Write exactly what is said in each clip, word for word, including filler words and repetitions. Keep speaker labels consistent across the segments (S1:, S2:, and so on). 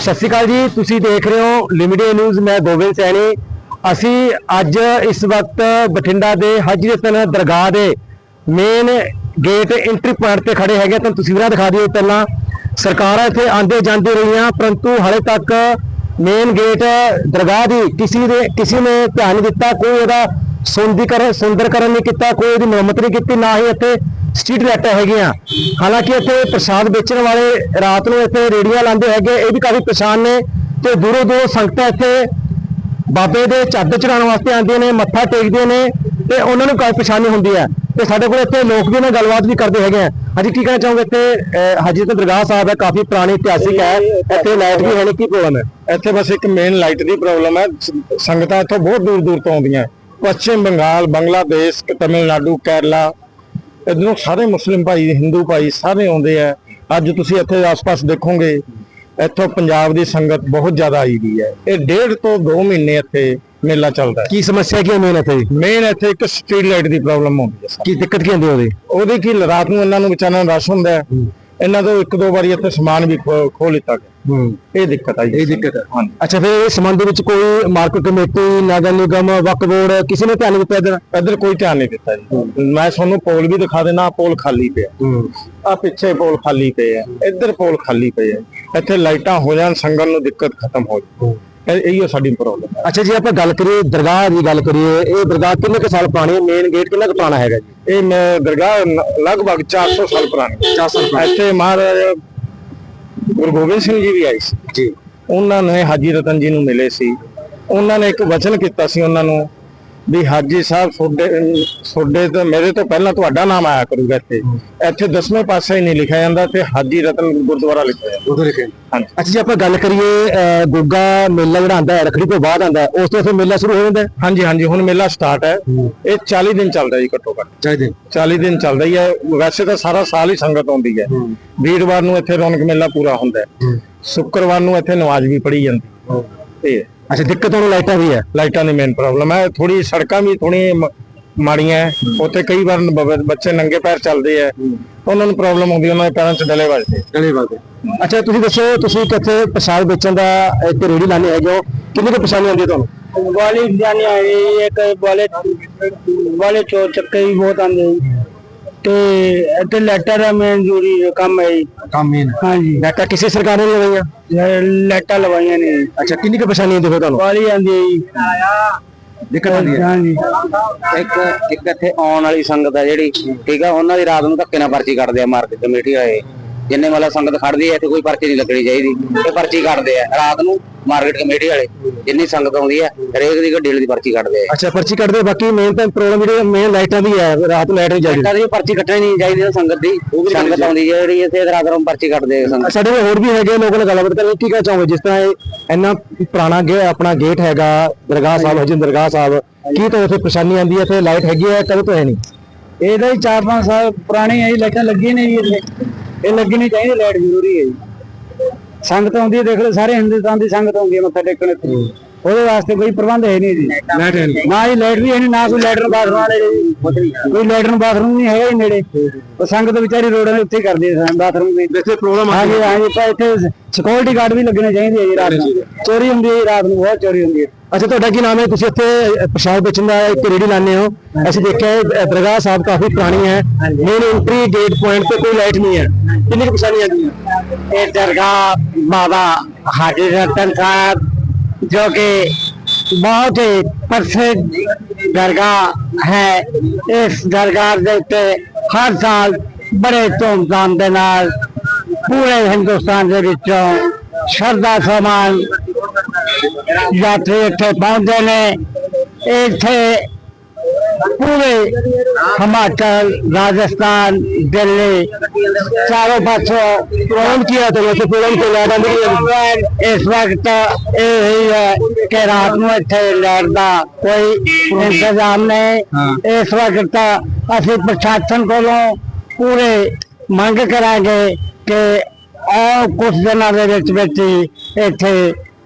S1: सत श्री अकाल जी, तुसी देख रहे हो लिमिटेड न्यूज़। मैं गोविंद सैनी। असी अज इस वक्त बठिंडा के हजरतन दरगाह के मेन गेट एंट्री पॉइंट पर खड़े हैं। तो तस्वीर दिखा दी पहला सरकार इतने आते जाते रही, परंतु हाले तक मेन गेट दरगाह की किसी ने किसी ने ध्यान नहीं दिता। कोई ਇਹਦਾ सुंदरीकरण सुंदरकरण नहीं किया, कोई ਇਹਦੀ ਮੁਰੰਮਤ नहीं की, ना ही ਇੱਥੇ स्ट्रीट लाइटां हैगियां। हालांकि ਇੱਥੇ प्रसाद बेचने वाले रात ਨੂੰ ਇੱਥੇ ਰੇੜੀਆਂ ਲਾਉਂਦੇ ਹੈਗੇ, ਇਹ भी काफी परेशान ने। ਤੇ दूरों दूरों संगतां ਇੱਥੇ बाबे ਦੇ चादर चढ़ाਉਣ वास्ते आਉਂਦੀਆਂ ਨੇ, मत्था टेकਦੇ ਨੇ ਤੇ ਉਹਨਾਂ ਨੂੰ काफी परेशानी ਹੁੰਦੀ है। ਤੇ ਸਾਡੇ ਕੋਲ ਇੱਥੇ ਲੋਕ ਵੀ ਨਾਲ ਗੱਲਬਾਤ ਵੀ ਕਰਦੇ ਹੈਗੇ ਆ। ਹਾਂਜੀ, ਕੀ ਕਹਿਣਾ ਚਾਹੋਗੇ? ਇੱਥੇ ਹਜ਼ਰਤ ਦਰਗਾਹ ਸਾਹਿਬ ਹੈ, ਕਾਫੀ ਪੁਰਾਣੀ ਇਤਿਹਾਸਿਕ ਹੈ, ਇੱਥੇ ਲਾਈਟ ਵੀ ਹੈ ਨਹੀਂ, ਕੀ ਪ੍ਰੋਬਲਮ ਹੈ?
S2: ਇੱਥੇ ਬਸ ਇੱਕ ਮੇਨ ਲਾਈਟ ਦੀ ਪ੍ਰੋਬਲਮ ਹੈ। ਸੰਗਤਾਂ ਇੱਥੋਂ ਬਹੁਤ ਦੂਰ ਦੂਰ ਤੋਂ ਆਉਂਦੀਆਂ, ਪੱਛਮ ਬੰਗਾਲ, ਬੰਗਲਾਦੇਸ਼, ਤਮਿਲਨਾਡੂ, ਕੇਰਲਾ, ਇੱਧਰੋਂ ਸਾਰੇ ਮੁਸਲਿਮ ਭਾਈ, ਹਿੰਦੂ ਭਾਈ ਸਾਰੇ ਆਉਂਦੇ ਆ। ਅੱਜ ਤੁਸੀਂ ਇੱਥੇ ਆਸ-ਪਾਸ ਦੇਖੋਗੇ, ਇੱਥੋਂ ਪੰਜਾਬ ਦੀ ਸੰਗਤ ਬਹੁਤ ਜ਼ਿਆਦਾ ਆਈ ਵੀ ਹੈ। ਇਹ ਡੇਢ ਤੋਂ ਦੋ ਮਹੀਨੇ ਇੱਥੇ ਮੇਲਾ ਚੱਲਦਾ ਹੈ।
S1: ਕੀ ਸਮੱਸਿਆ ਕੀ ਹੈ ਮੇਨ ਇੱਥੇ?
S2: ਮੇਨ ਇੱਥੇ ਇੱਕ ਸਟਰੀਟ ਲਾਈਟ ਦੀ ਪ੍ਰੋਬਲਮ ਆਉਂਦੀ ਹੈ।
S1: ਕੀ ਦਿੱਕਤ ਕੀ ਆਉਂਦੀ ਉਹਦੀ?
S2: ਉਹਦੀ ਕੀ ਰਾਤ ਨੂੰ ਇਹਨਾਂ ਨੂੰ ਵਿਚਾਰਿਆਂ ਨੂੰ ਰਸ਼ ਹੁੰਦਾ ਹੈ। ਇਹਨਾਂ ਤੋਂ ਇੱਕ ਦੋ ਵਾਰੀ ਇੱਥੇ ਸਮਾਨ ਵੀ ਖੋਹ ਲਿੱਤਾ ਗਿਆ। ਇਹ ਦਿੱਕਤ ਆਈ।
S1: ਇਹ ਦਿੱਕਤ ਹੈ। ਹਾਂਜੀ। ਅੱਛਾ, ਫਿਰ ਇਸ ਸੰਬੰਧ ਵਿੱਚ ਕੋਈ ਮਾਰਕੀਟ ਕਮੇਟੀ, ਨਗਰ ਨਿਗਮ, ਵਕਫ ਬੋਰਡ ਕਿਸੇ ਨੇ ਧਿਆਨ ਨਹੀਂ ਦਿੱਤਾ? ਇੱਧਰ
S2: ਇੱਧਰ ਕੋਈ ਧਿਆਨ ਨਹੀਂ ਦਿੱਤਾ ਜੀ। ਮੈਂ ਤੁਹਾਨੂੰ ਪੋਲ ਵੀ ਦਿਖਾ ਦੇਣਾ, ਪੋਲ ਖਾਲੀ ਪਿਆ। ਆ ਪਿੱਛੇ ਪੋਲ ਖਾਲੀ ਪਏ ਆ, ਇੱਧਰ ਪੋਲ ਖਾਲੀ ਪਏ ਆ। ਇੱਥੇ ਲਾਈਟਾਂ ਹੋ ਜਾਣ, ਸੰਗਤ ਨੂੰ ਦਿੱਕਤ ਖਤਮ ਹੋ ਜਾਏ, ਇਹੀ ਸਾਡੀ ਪ੍ਰੋਬਲਮ ਹੈ।
S1: ਅੱਛਾ ਜੀ, ਆਪਾਂ ਗੱਲ ਕਰੀਏ ਦਰਗਾਹ ਦੀ ਗੱਲ ਕਰੀਏ, ਇਹ ਦਰਗਾਹ ਕਿੰਨੇ ਕੁ ਸਾਲ ਪੁਰਾਣੀ ਹੈ? ਮੇਨ ਗੇਟ ਕਿੰਨਾ ਕੁ ਪੁਰਾਣਾ ਹੈਗਾ ਜੀ?
S2: ਇਹ ਦਰਗਾਹ ਲਗਭਗ ਚਾਰ ਸੌ ਸਾਲ ਪੁਰਾਣੀ।
S1: ਚਾਰ ਸੌ ਸਾਲ
S2: ਇੱਥੇ ਮਹਾਰਾਜ ਗੁਰੂ ਗੋਬਿੰਦ ਸਿੰਘ ਜੀ ਵੀ ਆਏ ਸੀ ਜੀ। ਉਹਨਾਂ ਨੇ ਹਾਜੀ ਰਤਨ ਜੀ ਨੂੰ ਮਿਲੇ ਸੀ। ਉਹਨਾਂ ਨੇ ਇੱਕ ਵਚਨ ਕੀਤਾ ਸੀ ਉਹਨਾਂ ਨੂੰ ਵੀ ਹਾਜੀ ਸਾਹਿਬ ਤੁਹਾਡੇ ਤੁਹਾਡੇ ਤੋਂ ਮੇਰੇ ਤੋਂ ਪਹਿਲਾਂ ਤੁਹਾਡਾ ਨਾਮ ਆਇਆ ਕਰੂਗਾ। ਇੱਥੇ ਇੱਥੇ ਦਸਵੇਂ ਪਾਸੇ ਹੀ ਨਹੀਂ ਲਿਖਿਆ ਜਾਂਦਾ, ਤੇ ਹਾਜੀ ਰਤਨ ਗੁਰਦੁਆਰਾ ਲਿਖਿਆ ਜਾਂਦਾ।
S1: ਹਾਂਜੀ। ਅੱਛਾ ਜੀ, ਆਪਾਂ ਗੱਲ ਕਰੀਏ ਗੁੱਗਾ ਮੇਲਾ ਜਿਹੜਾ ਆਉਂਦਾ ਹੈ, ਰੱਖੜੀ ਤੋਂ ਬਾਅਦ ਆਉਂਦਾ ਹੈ, ਉਸ ਤੋਂ ਫਿਰ ਮੇਲਾ ਸ਼ੁਰੂ ਹੋ ਜਾਂਦਾ ਹੈ?
S2: ਹਾਂਜੀ ਹਾਂਜੀ, ਹੁਣ ਮੇਲਾ ਸਟਾਰਟ ਹੈ। ਇਹ ਚਾਲੀ ਦਿਨ ਚੱਲਦਾ ਜੀ, ਘੱਟੋ ਘੱਟ ਚਾਲੀ ਦਿਨ ਚਾਲੀ ਦਿਨ ਚੱਲਦਾ ਹੀ ਹੈ। ਵੈਸੇ ਤਾਂ ਸਾਰਾ ਸਾਲ ਹੀ ਸੰਗਤ ਆਉਂਦੀ ਹੈ। ਵੀਰਵਾਰ ਨੂੰ ਇੱਥੇ ਰੌਣਕ ਮੇਲਾ ਪੂਰਾ ਹੁੰਦਾ ਹੈ। ਸ਼ੁੱਕਰਵਾਰ ਨੂੰ ਇੱਥੇ ਨਮਾਜ਼ ਵੀ ਪੜ੍ਹੀ ਜਾਂਦੀ ਹੈ।
S1: ਅੱਛਾ, ਦਿੱਕਤ ਹੁਣ ਲਾਈਟਾਂ ਵੀ ਹੈ?
S2: ਲਾਈਟਾਂ ਦੀ ਮੇਨ ਪ੍ਰੋਬਲਮ ਹੈ। ਥੋੜੀ ਸੜਕਾਂ ਵੀ ਥੋੜੀ ਮਾੜੀਆਂ ਹੈ। ਉੱਥੇ ਕਈ ਵਾਰ ਬੱਚੇ ਨੰਗੇ ਪੈਰ ਚੱਲਦੇ ਆ, ਉਹਨਾਂ ਨੂੰ ਪ੍ਰੋਬਲਮ ਆਉਂਦੀ, ਉਹਨਾਂ ਦੇ ਪੈਰਾਂ 'ਚ ਡਲੇ ਵੱਜਦੇ ਡਲੇ ਵੱਜਦੇ
S1: ਅੱਛਾ, ਤੁਸੀਂ ਦੱਸੋ, ਤੁਸੀਂ ਕਿੱਥੇ ਪ੍ਰਸਾਦ ਵੇਚਣ ਦਾ ਇੱਕ ਰੇੜੀ ਲਾਣੇ ਹੈਗੇ ਹੋ, ਕਿੰਨੀ ਕੁ ਪਰੇਸ਼ਾਨੀ ਆਉਂਦੀ ਹੈ ਤੁਹਾਨੂੰ?
S3: ਵਾਲੀ ਜਾਨੀ ਆਈ ਇੱਕ ਵਾਲੇ ਵਾਲੇ ਚੋਰ ਚੱਕੇ ਵੀ ਬਹੁਤ ਆਉਂਦੇ ਤੇ ਇੱਥੇ ਲੈਟਰ ਦਾ ਮੇਨ ਜ਼ਰੂਰੀ ਕੰਮ ਹੈ।
S1: ਕੰਮ ਮੇਨ? ਹਾਂਜੀ। ਲਾਈਟਾਂ ਕਿਸੇ ਸਰਕਾਰ ਨੇ ਲਵਾਈਆਂ?
S3: ਲਾਈਟਾਂ ਲਵਾਈਆਂ ਨੇ।
S1: ਅੱਛਾ, ਕਿੰਨੀ ਕੁ ਪਰੇਸ਼ਾਨੀ ਆਉਂਦੀ ਫਿਰ ਤੁਹਾਨੂੰ?
S3: ਵਾਲੀ ਆਉਂਦੀ
S1: ਦਿੱਕਤ ਆਉਂਦੀ ਹੈ?
S3: ਹਾਂਜੀ।
S4: ਇੱਕ ਇੱਕ ਇੱਥੇ ਆਉਣ ਵਾਲੀ ਸੰਗਤ ਹੈ ਜਿਹੜੀ, ਠੀਕ ਆ, ਉਹਨਾਂ ਦੀ ਰਾਤ ਨੂੰ ਧੱਕੇ ਨਾਲ ਪਰਚੀ ਕੱਟਦੇ ਆ ਮਾਰਕੀਟ ਕਮੇਟੀ ਵਾਲੇ। ਜਿੰਨੇ ਮਤਲਬ ਸੰਗਤ ਖੜਦੀ ਹੈ ਇੱਥੇ ਕੋਈ ਪਰਚੀ ਨਹੀਂ ਲੱਗਣੀ ਚਾਹੀਦੀ, ਇਹ ਪਰਚੀ ਕੱਟਦੇ ਆ ਰਾਤ ਨੂੰ ਮਾਰਕੀਟ ਕਮੇਟੀ ਵਾਲੇ। ਜਿੰਨੀ ਸੰਗਤ ਆਉਂਦੀ ਹੈ ਹਰੇਕ ਦੀ ਗੱਡੀ ਦੀ ਪਰਚੀ ਕੱਟਦੇ ਆ। ਅੱਛਾ,
S1: ਪਰਚੀ ਕੱਟਦੇ। ਬਾਕੀ ਮੇਨ ਤਾਂ ਪ੍ਰੋਬਲਮ ਜਿਹੜੀ ਮੇਨ ਲਾਈਟਾਂ ਦੀ ਹੈ, ਰਾਤ ਨੂੰ ਲਾਈਟ ਨਹੀਂ ਚਾਹੀਦੀ,
S4: ਪਰਚੀ ਕੱਟਣੀ ਨਹੀਂ ਚਾਹੀਦੀ ਸੰਗਤ ਦੀ। ਸੰਗਤ ਆਉਂਦੀ ਹੈ ਜਿਹੜੀ ਇੱਥੇ ਰਾਤ ਨੂੰ ਪਰਚੀ ਕੱਟਦੇ ਆ।
S1: ਸਾਡੇ ਹੋਰ ਵੀ ਹੈਗੇ ਲੋਕਾਂ ਨਾਲ ਗੱਲਬਾਤ ਕਰਕੇ, ਕੀ ਕਹਿਣਾ ਚਾਹੋਗੇ? ਜਿਸ ਤਰ੍ਹਾਂ ਇਹ ਇੰਨਾ ਪੁਰਾਣਾ ਗੇ ਆਪਣਾ ਗੇਟ ਹੈਗਾ ਦਰਗਾਹ ਸਾਹਿਬ, ਹਜ਼ਰਤ ਦਰਗਾਹ ਸਾਹਿਬ, ਕੀ ਤੁਹਾਨੂੰ ਇੱਥੇ ਪਰੇਸ਼ਾਨੀ ਆਉਂਦੀ ਹੈ? ਇੱਥੇ ਲਾਈਟ ਹੈਗੀ ਹੈ, ਕਦੋਂ ਤੋਂ ਹੈ ਨਹੀਂ?
S3: ਇਹਦਾ ਹੀ ਚਾਰ ਪੰਜ ਸਾਲ ਪੁਰਾਣੀ ਹੈ, ਲਾਈਟਾਂ ਲੱਗੀਆਂ ਨੇ ਜੀ ਇੱਥੇ। ਇਹ ਲੱਗਣੀ ਚਾਹੀਦੀ, ਲਾਈਟ ਜ਼ਰੂਰੀ ਹੈ ਜੀ। ਸੰਗਤ ਆਉਂਦੀ ਹੈ, ਦੇਖ ਲਓ, ਸਾਰੇ ਹਿੰਦੁਸਤਾਨ ਦੀ ਸੰਗਤ ਆਉਂਦੀ ਹੈ ਮੱਥਾ ਟੇਕਣ ਇੱਥੇ। ਉਹਦੇ ਵਾਸਤੇ ਕੋਈ ਪ੍ਰਬੰਧ ਹੈ ਨਹੀਂ ਜੀ,
S1: ਲਾਈਟ ਹੈ ਨਹੀਂ,
S3: ਨਾ ਹੀ ਲਾਈਟ ਵੀ ਹੈ ਨਹੀਂ, ਨਾ ਕੋਈ ਲੈਟਰਨ ਬਾਥਰੂਮ ਵਾਲੇ ਕੋਈ ਲੈਟਰਨ ਬਾਥਰੂਮ ਨਹੀਂ ਹੈਗਾ ਜੀ ਨੇੜੇ। ਉਹ ਸੰਗਤ ਵਿਚਾਰੀ ਰੋਡਾਂ ਦੇ ਉੱਤੇ ਕਰਦੀ ਹੈ ਬਾਥਰੂਮ ਦੀ।
S1: ਇੱਥੇ ਪ੍ਰੋਬਲਮ ਆ
S3: ਹਾਂਜੀ ਹਾਂਜੀ, ਪਰ ਇੱਥੇ ਸਿਕਿਉਰਿਟੀ ਗਾਰਡ ਵੀ ਲੱਗਣੇ ਚਾਹੀਦੇ ਹੈ ਜੀ। ਰਾਤ ਨੂੰ ਚੋਰੀ ਹੁੰਦੀ ਹੈ, ਰਾਤ ਨੂੰ ਬਹੁਤ ਚੋਰੀ ਹੁੰਦੀ ਹੈ।
S1: ਅੱਛਾ, ਤੁਹਾਡਾ ਕੀ ਨਾਮ ਹੈ? ਤੁਸੀਂ ਇੱਥੇ ਪ੍ਰਸ਼ਾਦ ਵੇਚਣ ਦਾ ਇੱਕ ਰੇੜੀ ਲਾਉਂਦੇ ਹੋ। ਅਸੀਂ ਦੇਖਿਆ ਦਰਗਾਹ ਸਾਹਿਬ ਕਾਫੀ ਪੁਰਾਣੀ ਹੈ, ਮੇਨ ਐਂਟਰੀ ਗੇਟ ਪੁਆਇੰਟ ਤੇ ਕੋਈ ਲਾਈਟ ਨਹੀਂ ਹੈ, ਕਿੰਨੀ ਕੁ ਪਰੇਸ਼ਾਨੀ ਆਉਂਦੀ ਹੈ?
S3: ਇਹ ਦਰगाह बाबा हाजी रतन साहब जो कि बहुत ही प्रसिद्ध दरगाह है। इस दरगाह के उत्ते हर साल बड़े धूमधाम के नाल पूरे हिंदुस्तान के विचों श्रद्धा समान यात्री इत्थे पहुंचते ने। इत्थे पूरे हिमाचल, राजस्थान, दिल्ली चारों पासों
S1: प्रॉब्लम किया तो वैसे प्रॉब्लम को लाइट आती
S3: इस वक्त यही है कि रात में इत्थे लाइट का कोई इंतजाम नहीं। इस वक्त असी प्रशासन को पूरे मंग करांगे कि और कुछ दिनों के इत्थे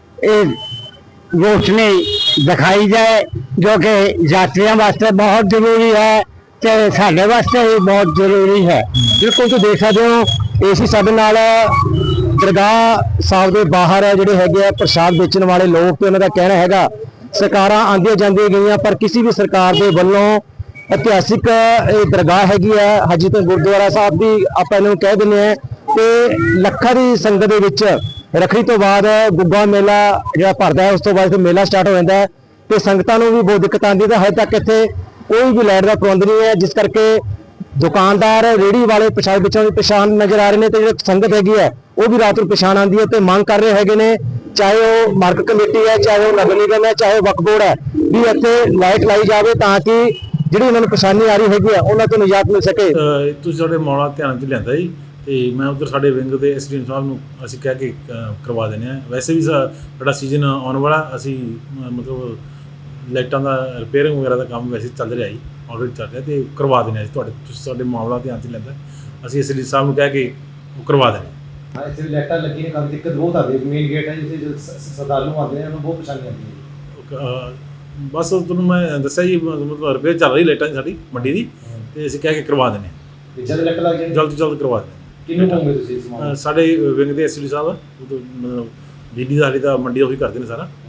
S3: रोशनी दिखाई जाए, जो कि यात्रियों वास्ते बहुत जरूरी है, तो साडे वास्ते भी बहुत जरूरी है।
S1: बिल्कुल, तो देख सकते हो एसी साडे नाल ਦਰਗਾਹ ਸਾਹਿਬ ਦੇ ਬਾਹਰ ਹੈ ਜਿਹੜੇ ਹੈਗੇ ਆ ਪ੍ਰਸ਼ਾਦ ਵੇਚਣ ਵਾਲੇ ਲੋਕ, ਤੇ ਉਹਨਾਂ ਦਾ ਕਹਿਣਾ ਹੈਗਾ ਸਰਕਾਰਾਂ ਆਉਂਦੀਆਂ ਜਾਂਦੀਆਂ ਗਈਆਂ ਪਰ ਕਿਸੇ ਵੀ ਸਰਕਾਰ ਦੇ ਵੱਲੋਂ ਇਤਿਹਾਸਿਕ ਇਹ ਦਰਗਾਹ ਹੈਗੀ ਆ ਹਾਜੀ ਤੋਂ ਗੁਰਦੁਆਰਾ ਸਾਹਿਬ ਦੀ ਆਪਾਂ ਇਹਨੂੰ ਕਹਿ ਦਿੰਦੇ ਆ, ਤੇ ਲੱਖਾਂ ਦੀ ਸੰਗਤ ਦੇ ਵਿੱਚ ਰੱਖੜੀ ਤੋਂ ਬਾਅਦ ਗੁੱਗਾ ਮੇਲਾ ਜਿਹੜਾ ਭਰਦਾ ਹੈ, ਉਸ ਤੋਂ ਬਾਅਦ ਫਿਰ ਮੇਲਾ ਸਟਾਰਟ ਹੋ ਜਾਂਦਾ ਹੈ ਤੇ ਸੰਗਤਾਂ ਨੂੰ ਵੀ ਬਹੁਤ ਦਿੱਕਤ ਆਉਂਦੀ ਹੈ। ਤੇ ਹਜੇ ਤੱਕ ਇੱਥੇ ਕੋਈ ਵੀ ਲਾਈਟ ਦਾ ਪ੍ਰਬੰਧ ਨਹੀਂ ਹੈ, ਜਿਸ ਕਰਕੇ ਦੁਕਾਨਦਾਰ ਰੇਹੜੀ ਵਾਲੇ ਪ੍ਰਸ਼ਾਦ ਵੇਚਣ ਦੀ ਪਛਾਣ ਨਜ਼ਰ ਆ ਰਹੇ ਨੇ ਤੇ ਜਿਹੜੀ ਸੰਗਤ ਹੈਗੀ ਹੈ ਉਹ ਵੀ ਰਾਤ ਨੂੰ ਪਛਾਣ ਆਉਂਦੀ ਹੈ ਤੇ ਮੰਗ ਕਰ ਰਹੇ ਹੈਗੇ ਨੇ, ਚਾਹੇ ਉਹ ਮਾਰਕੀਟ ਕਮੇਟੀ ਹੈ, ਚਾਹੇ ਉਹ ਨਗਰ ਨਿਗਮ ਹੈ, ਚਾਹੇ ਉਹ ਵਕਫ ਬੋਰਡ ਹੈ, ਵੀ ਇੱਥੇ ਲਾਈਟ ਲਾਈ ਜਾਵੇ ਤਾਂ ਕਿ ਜਿਹੜੀ ਉਹਨਾਂ ਨੂੰ ਪਰੇਸ਼ਾਨੀ ਆ ਰਹੀ ਹੈਗੀ ਆ ਉਹਨਾਂ ਤੋਂ ਨਿਜਾਤ ਮਿਲ ਸਕੇ।
S5: ਅਹ ਤੁਸੀਂ ਸਾਡੇ ਮਾਮਲਾ ਧਿਆਨ 'ਚ ਲਿਆਂਦਾ ਜੀ, ਤੇ ਮੈਂ ਉਧਰ ਸਾਡੇ ਵਿੰਗ ਦੇ ਐਸਡੀਐਮ ਸਾਹਿਬ ਨੂੰ ਅਸੀਂ ਕਹਿ ਕੇ ਅਹ ਕਰਵਾ ਦਿੰਦੇ ਹਾਂ। ਵੈਸੇ ਵੀ ਸਾ- ਸਾਡਾ ਸੀਜ਼ਨ ਆਉਣ ਵਾਲਾ, ਅਸੀਂ ਮ- ਮਤਲਬ ਲਾਈਟਾਂ ਦਾ ਰਿਪੇਅਰਿੰਗ ਵਗੈਰਾ ਦਾ ਕੰਮ ਵੈਸੇ ਚੱਲ ਰਿਹਾ ਜੀ, ਆਲਰੇਡੀ ਚੱਲ ਰਿਹਾ, ਤੇ ਕਰਵਾ ਦਿੰਦੇ ਹਾਂ ਜੀ ਤੁਹਾਡੇ, ਤੁਸੀਂ ਸਾਡੇ ਮਾਮਲਾ ਧਿਆਨ 'ਚ ਲੈਂਦਾ, ਅਸੀਂ ਐਸਡੀ ਸਾਹਿਬ ਨੂੰ ਕਹਿ ਕੇ ਉਹ ਕਰਵਾ ਦਿੰਦੇ ਹਾਂ।
S6: हाँ, इसलिए लाइटा लगी ने काफी दिक्कत बहुत आती है। मेन गेट है जिसे जो स- श्रद्धालु आते हैं उन्हें बहुत परेशानी आती है।
S5: ਅਹ ਬਸ ਤੁਹਾਨੂੰ ਮੈਂ ਦੱਸਿਆ ਜੀ, ਮਤਲਬ ਰਿਪੇਅਰ ਚੱਲ ਰਹੀ ਲਾਈਟਾਂ ਦੀ ਸਾਡੀ ਮੰਡੀ ਦੀ, ਤੇ ਅਸੀਂ ਕਹਿ ਕੇ ਕਰਵਾ ਦਿੰਦੇ ਹਾਂ,
S6: जल्द लाइट लग जाएगी
S5: ਜਲਦ ਤੋਂ ਜਲਦ ਕਰਵਾ ਦਿੰਦੇ ਹਾਂ।
S6: किन्नू होंगे तुसी इस मामले
S5: ਅਹ ਸਾਡੇ ਵਿੰਗ ਦੇ ਐਸਡੀ ਸਾਹਿਬ, ਉਹ ਤੋਂ ਮਤਲਬ ਬਿਜਲੀ ਦਾ ਹਾਲੀ ਤਾਂ ਮੰਡੀ ਉਹੀ ਕਰਦੇ ਨੇ ਸਾਰਾ,